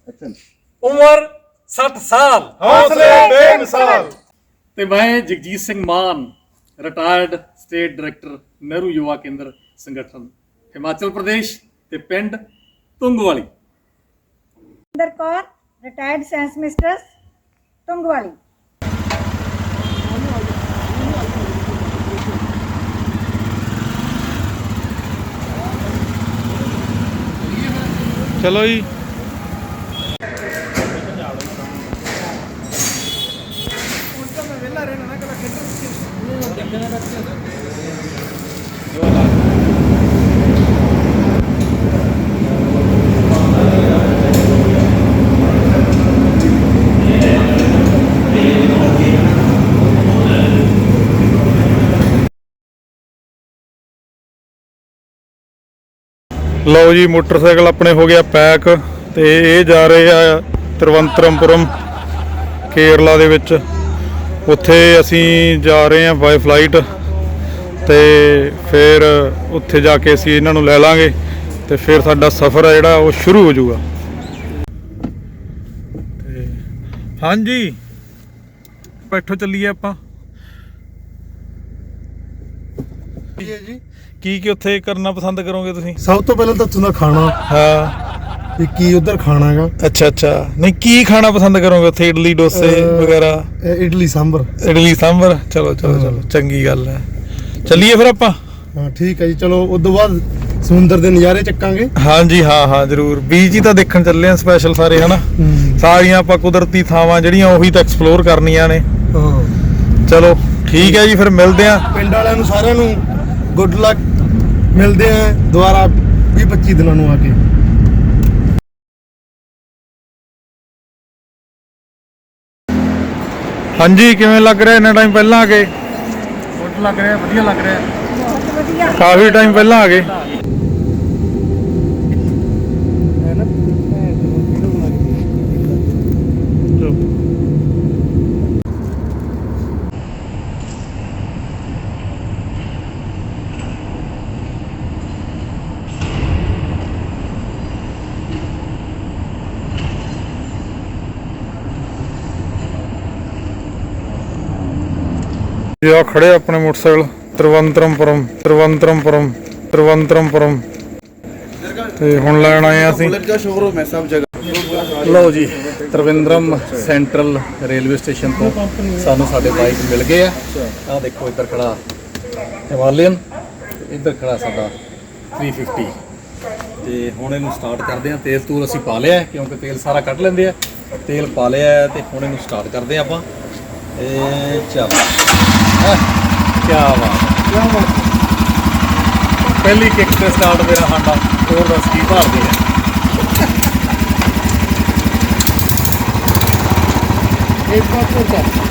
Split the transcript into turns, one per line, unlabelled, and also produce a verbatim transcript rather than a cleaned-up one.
ਉਮਰ ਸੱਠ ਸਾਲ,
ਹੌਸਲੇ ਬੇਮਿਸਾਲ।
ਤੇ ਮੈਂ Jagjit Singh Mann, retired state director Nehru Yuva Kendra Sangathan Himachal Pradesh ਤੇ ਪਿੰਡ Tungwali.
Inder Kaur, retired science mistress Tungwali.
ਚਲੋ ਜੀ। ਲਓ ਜੀ, ਮੋਟਰਸਾਈਕਲ ਆਪਣੇ ਹੋ ਗਿਆ ਪੈਕ ਤੇ ਇਹ ਜਾ ਰਹੇ ਆ ਤਿਰਵੰਤਰਮਪੁਰਮ ਕੇਰਲਾ ਦੇ ਵਿੱਚ। ਉੱਥੇ ਅਸੀਂ ਜਾ ਰਹੇ ਹਾਂ ਬਾਈ ਫਲਾਈਟ ਤੇ ਫਿਰ ਉੱਥੇ ਜਾ ਕੇ ਅਸੀਂ ਇਹਨਾਂ ਨੂੰ ਲੈ ਲਾਂਗੇ ਤੇ ਫਿਰ ਸਾਡਾ ਸਫ਼ਰ ਹੈ ਜਿਹੜਾ ਉਹ ਸ਼ੁਰੂ ਹੋ ਜਾਊਗਾ। ਤੇ ਹਾਂਜੀ, ਬੈਠੋ ਚੱਲੀਏ ਆਪਾਂ।
ਜੀ
ਕੀ ਕੀ ਉੱਥੇ ਕਰਨਾ ਪਸੰਦ ਕਰੋਗੇ ਤੁਸੀਂ?
ਸਭ ਤੋਂ ਪਹਿਲਾਂ ਤਾਂ ਉੱਥੋਂ ਦਾ ਖਾਣਾ,
ਹਾਂ,
ਵੀ ਕੀ ਉਧਰ ਖਾਣਾ ਹੈਗਾ।
ਅੱਛਾ ਅੱਛਾ। ਨਹੀਂ, ਕੀ ਖਾਣਾ ਪਸੰਦ ਕਰੋਗੇ ਉੱਥੇ? ਇਡਲੀ ਡੋਸੇ ਵਗੈਰਾ?
ਇਹ ਇਡਲੀ ਸਾਂਬਰ।
ਇਡਲੀ ਸਾਂਬਰ। ਚਲੋ ਚਲੋ ਚਲੋ, ਚੰਗੀ ਗੱਲ ਹੈ। ਚੱਲੀਏ ਫਿਰ ਆਪਾਂ।
ਹਾਂ ਠੀਕ ਹੈ ਜੀ, ਚਲੋ ਉਸ ਤੋਂ ਬਾਅਦ ਸਮੁੰਦਰ ਦੇ ਨਜ਼ਾਰੇ ਚੱਕਾਂਗੇ।
ਹਾਂਜੀ ਹਾਂ ਹਾਂ ਜ਼ਰੂਰ। ਬੀਚ ਹੀ ਤਾਂ ਦੇਖਣ ਚੱਲੇ ਆ ਸਪੈਸ਼ਲ ਸਾਰੇ, ਹਨਾ? ਸਾਰੀਆਂ ਆਪਾਂ ਕੁਦਰਤੀ ਥਾਵਾਂ ਜਿਹੜੀਆਂ ਉਹੀ ਤਾਂ ਐਕਸਪਲੋਰ ਕਰਨੀਆਂ ਨੇ।
ਹਾਂ
ਚਲੋ ਠੀਕ ਹੈ ਜੀ, ਫਿਰ ਮਿਲਦੇ ਆ।
ਪਿੰਡ ਵਾਲਿਆਂ ਨੂੰ ਸਾਰਿਆਂ ਨੂੰ ਗੁੱਡ ਲੱਕ। ਮਿਲਦੇ ਆ ਦੁਬਾਰਾ ਵੀਹ ਪੱਚੀ ਦਿਨਾਂ ਨੂੰ ਆ ਕੇ।
ਹਾਂਜੀ, ਕਿਵੇਂ ਲੱਗ ਰਿਹਾ ਇੰਨਾ ਟਾਈਮ ਪਹਿਲਾਂ ਆ ਗਏ?
ਗੁੱਡ ਲੱਗ ਰਿਹਾ, ਵਧੀਆ ਲੱਗ ਰਿਹਾ।
ਬਹੁਤ ਵਧੀਆ।
ਕਾਫੀ ਟਾਈਮ ਪਹਿਲਾਂ ਆ ਗਏ। ਜੀ ਆ ਖੜੇ ਆਪਣੇ ਮੋਟਰਸਾਈਕਲ ਤਿਰਵੰਤਰਮਪੁਰਮ ਤਿਰਵੰਤਰਮਪੁਰਮ ਤਿਰਵੰਤਰਮਪੁਰਮ ਤੇ ਹੁਣ ਲੈਣ ਆਏ ਆ ਅਸੀਂ।
ਸ਼ੋਰੂਮ ਹੈ ਸਭ ਜਗ੍ਹਾ।
ਲਓ ਜੀ, ਤ੍ਰਿਵੇਂਦਰਮ ਸੈਂਟਰਲ ਰੇਲਵੇ ਸਟੇਸ਼ਨ ਤੋਂ ਸਾਨੂੰ ਸਾਡੇ ਬਾਈਕ ਮਿਲ ਗਏ ਆ। ਆਹ ਦੇਖੋ, ਇੱਧਰ ਖੜਾ ਹਿਮਾਲਯਨ, ਇੱਧਰ ਖੜਾ ਸਾਡਾ ਥ੍ਰੀ ਫਿਫਟੀ। ਤੇ ਹੁਣ ਇਹਨੂੰ ਸਟਾਰਟ ਕਰਦੇ ਆ। ਤੇਲ ਤੂਲ ਅਸੀਂ ਪਾ ਲਿਆ ਕਿਉਂਕਿ ਤੇਲ ਸਾਰਾ ਕੱਢ ਲੈਂਦੇ ਆ। ਤੇਲ ਪਾ ਲਿਆ ਤੇ ਹੁਣ ਇਹਨੂੰ ਸਟਾਰਟ ਕਰਦੇ ਆ ਆਪਾਂ। ਇਹ ਚੱਲ, ਕੀ ਬਾਤ, ਪਹਿਲੀ ਕਿੱਕ ਤੇ ਸਟਾਰਟ ਮੇਰਾ ਸਾਡਾ ਹੋਰ ਦੱਸ ਕੀ ਭਾਲਦੇ ਆ।
ਇੱਕ ਵਾਰ